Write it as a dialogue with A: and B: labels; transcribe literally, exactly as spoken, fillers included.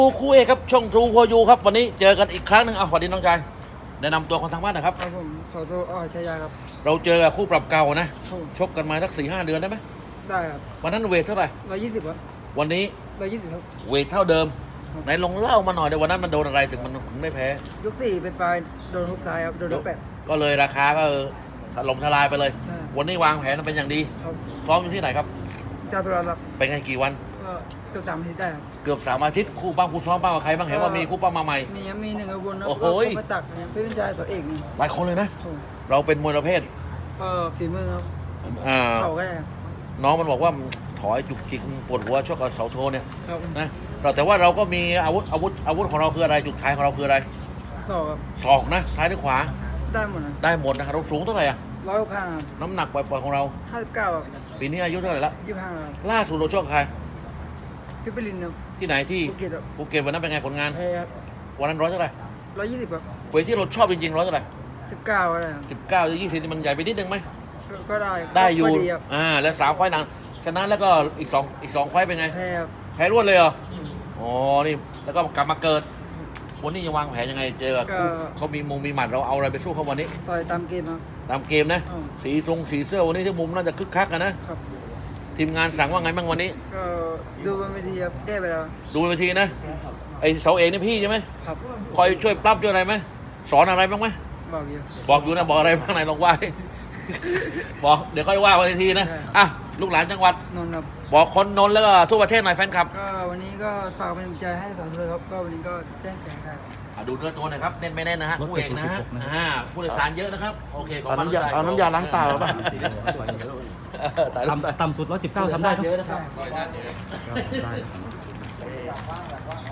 A: คู่เอกครับช่องทรูพอยูครับวันนี้เจอกันอีกครั้งหนึ่งเอาสวัสดีน้องชายแนะนำตัวคนทางบ้านนะครับ
B: ครับผมสอโทอ้อชายาครับ
A: เราเจอกับคู่ปรับเก่านะ
B: ครับ
A: ชกกันมาสักสี่ห้าเดือนได้ไหม
B: ได้ครับ
A: วันนั้นเวทเท่าไหร่
B: ร้อยยี่สิบครับ
A: วันนี้
B: ร้อยยี่สิบครับ
A: เวทเท่าเดิม
B: ครับ
A: ไหนลองเล่ามาหน่อยเดี๋ยววันนั้นมันโดนอะไรถึงมันถึงไม่แพ้
B: ยกสี่เป็นปลายโดนทุกซ้ายครับโดนทุกแปด
A: ก็เลยราคาก็ถล่มทลายไปเลย
B: ใช่
A: วันนี้วางแผนเป็นอย่างดี
B: ครับ
A: ซ้อมอยู่ที่ไหนครับ
B: จาตุรัสครับ
A: เป็นไงกี่วัน
B: ก็เกือบสามอาทิตย์ได้ครับ
A: เกือบสามอาทิตย์คู่ป้าคู่ซ้อมป้ากับใครบ้างเห็นว่ามีคู่ป้ามาใหม่
B: มีมีหนึ่งกระบวนนะ
A: โอ้โห
B: ก็มาตักเนี่ยเป็นชายสอเอกนี่
A: หลายคนเลยนะ
B: ครับ
A: เราเป็นมวยประเภท
B: ก็ฝีมือครับ
A: อ่า
B: เข่าก็ได้ครับ
A: น้องมันบอกว่าถอยจุกจิกปวดหัวชกกับเสาโทเนี่ย
B: ครับ
A: นะเราแต่ว่าเราก็มีอาวุธอาวุธอาวุธของเราคืออะไรจุดขายของเราคืออะไร
B: ศอกครับ
A: ศอกนะซ้ายหรือขวา
B: ได้หมดนะ
A: ได้หมดนะครับเราสูงเท่าไหร่อะ
B: ร้อยหกห้าครับ
A: น้ำหนักปล่อยๆของเรา
B: ห้าสิบเก้าครับ
A: ปีนี้อายุเท่าไหร่ละ
B: ยี่สิบห้าครับ
A: ล่าสุดเราชกใคร
B: พี่ปรินครับ
A: ที่ไหนที่
B: ภูเก็ตครับ
A: ภูเก็ตวันนั้นเป็นไงผลงาน
B: แพ้ครับ
A: วันนั้นร้อยเท่าไหร่
B: ร้อยยี่สิบครับ
A: เวทที่เราชอบจริงๆร้อยเท่าไหร่
B: สิบเก้าก็ได้ครับ
A: สิบเก้าหรือยี่สิบนี่มันใหญ่ไปนิดนึงไหม
B: ก็ก็ได้
A: ได้อยู่
B: ก็ครับ
A: อ่าแล้วสามไฟล์หนังฉะนั้นแล้วก็อีกสองอีกสองไฟล์เป็นไง
B: แพ้ครับ
A: แพ้รวดเลยเหรออ๋อนี่แล้วก็กลับมาเกิดวันนี้จะวางแผนยังไงเจอกับคู่เขามีมุมมีหมัดเราเอาอะไรไปสู้เขาวันนี้
B: ซอยตามเกมครับ
A: ตามเกมนะ
B: อืม
A: สีทรงสีเสื้อวันนี้ที่มุมน่าจะคึกคักกันนะครับ ทีมงานสั่งว่าไงบ้างวันนี้
B: ก็ดูบนเวทีครับแก้ไปแล้ว
A: ดูไปทีนะไอเสาเอกนี่พี่ใช่ไหม
B: ครับ
A: คอยช่วยปรับช่วยอะไรไหมสอนอะไรบ้างไหม
B: บอกอยู่
A: บอกอยู่นะบอกอะไรบ้างไหนลองว่าดิ บอกเดี๋ยวค่อยว่าวันทีนะ
B: ใช่
A: อ่ะลูกหลานจังหวัด
B: นนท์ครับ
A: บอกคนนนท์แล้วก็ทั่วประเทศหน่อยแฟนคลับ
B: ก็วันนี้ก็ฝากเป็นกำลังใจให้สอนเลยครับก็วันนี้ก็แจ้งแจงได้
A: อ่ะดูเนื้อตัวหน่อยครับเน้นไม่แน่นนะฮะผู้เอกนะฮะอ่าผู้โดยสารเยอะนะครับโอเคขอบ
C: เอา
A: คุณ
C: น้ำยาเอาน้ำยาล้างตาหรือเปล่า
A: เออถ่ายรูปได้
C: ต่ำต่ำสุดร้อยสิบเก้าทำได้
A: เย
C: เนาะ
A: อะนะครับ
C: ได้